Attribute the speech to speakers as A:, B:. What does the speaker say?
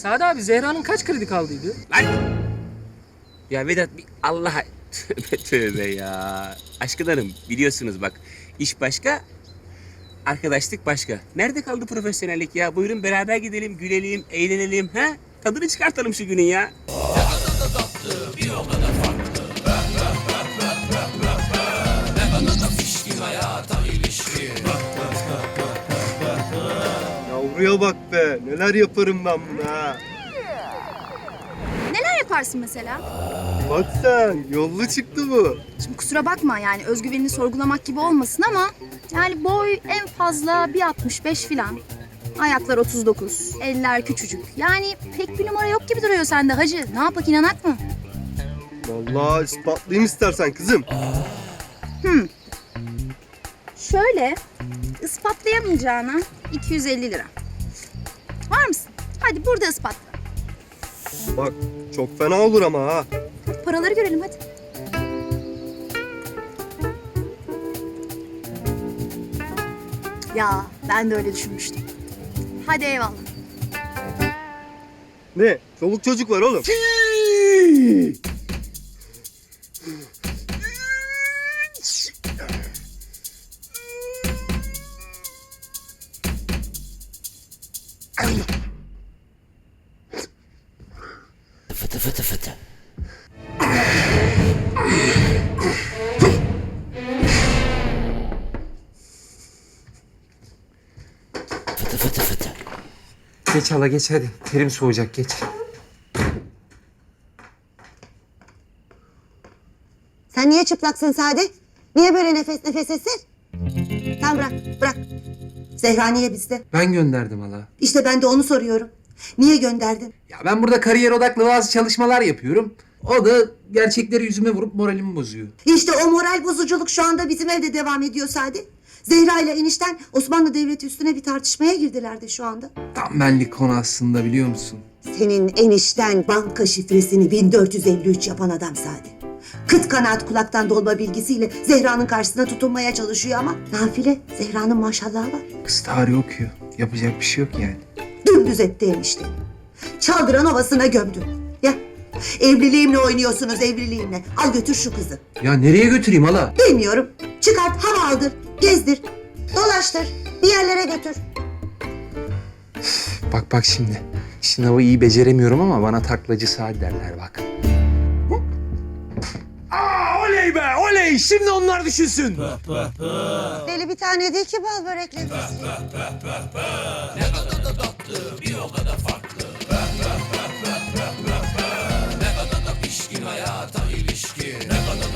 A: Sadi abi Zehra'nın kaç kredi kaldıydı?
B: Lan! Ya Vedat bir Allah'a tövbe tövbe ya. Aşkın Hanım biliyorsunuz bak iş başka, arkadaşlık başka. Nerede kaldı profesyonellik ya? Buyurun beraber gidelim, gülelim, eğlenelim. Ha? Tadını çıkartalım şu günün ya.
C: Yavruya bak be. Neler yaparım ben buna ha.
D: Neler yaparsın mesela?
C: Bak sen. Yollu çıktı bu.
D: Şimdi kusura bakma yani özgüvenini sorgulamak gibi olmasın ama yani boy en fazla 1.65 filan. Ayaklar 39, eller küçücük. Yani pek bir numara yok gibi duruyor sende hacı. Ne yapak inanak mı?
C: Vallahi ispatlayayım istersen kızım.
D: Şöyle ispatlayamayacağına 250 lira. Var mısın? Hadi burada ispatla.
C: Bak çok fena olur ama ha.
D: Hadi paraları görelim hadi. Ya ben de öyle düşünmüştüm. Hadi eyvallah.
C: Ne? Çoluk çocuk var oğlum.
B: Fıtı fıtı fıtı. Fıtı fıtı fıtı.
E: Geç hala geç hadi. Terim soğuyacak geç.
F: Sen niye çıplaksın Sadi? Niye böyle nefes nefesesin? Tamam bırak. Zehra niye bizde?
E: Ben gönderdim hala.
F: İşte ben de onu soruyorum. Niye gönderdin?
E: Ya ben burada kariyer odaklı bazı çalışmalar yapıyorum. O da gerçekleri yüzüme vurup moralimi bozuyor.
F: İşte o moral bozuculuk şu anda bizim evde devam ediyor Sadi. Zehra ile enişten Osmanlı Devleti üstüne bir tartışmaya girdiler de şu anda.
E: Tam benlik konu aslında biliyor musun?
F: Senin enişten banka şifresini 1453 yapan adam Sadi. Kıt kanaat kulaktan dolma bilgisiyle Zehra'nın karşısına tutunmaya çalışıyor ama nafile Zehra'nın maşallahı var.
E: Kız tarih okuyor. Yapacak bir şey yok yani.
F: Dümdüz etti enişte. Çaldıran ovasına gömdü. Ya evliliğimle oynuyorsunuz evliliğimle. Al götür şu kızı.
E: Ya nereye götüreyim hala?
F: Bilmiyorum. Çıkart hava aldır. Gezdir. Dolaştır. Bir yerlere götür.
E: Bak şimdi. Sınavı iyi beceremiyorum ama bana taklacı Sadi derler bak. Aa, oley be oley. Şimdi onlar düşünsün.
F: Deli bir tane değil ki bal börekleri.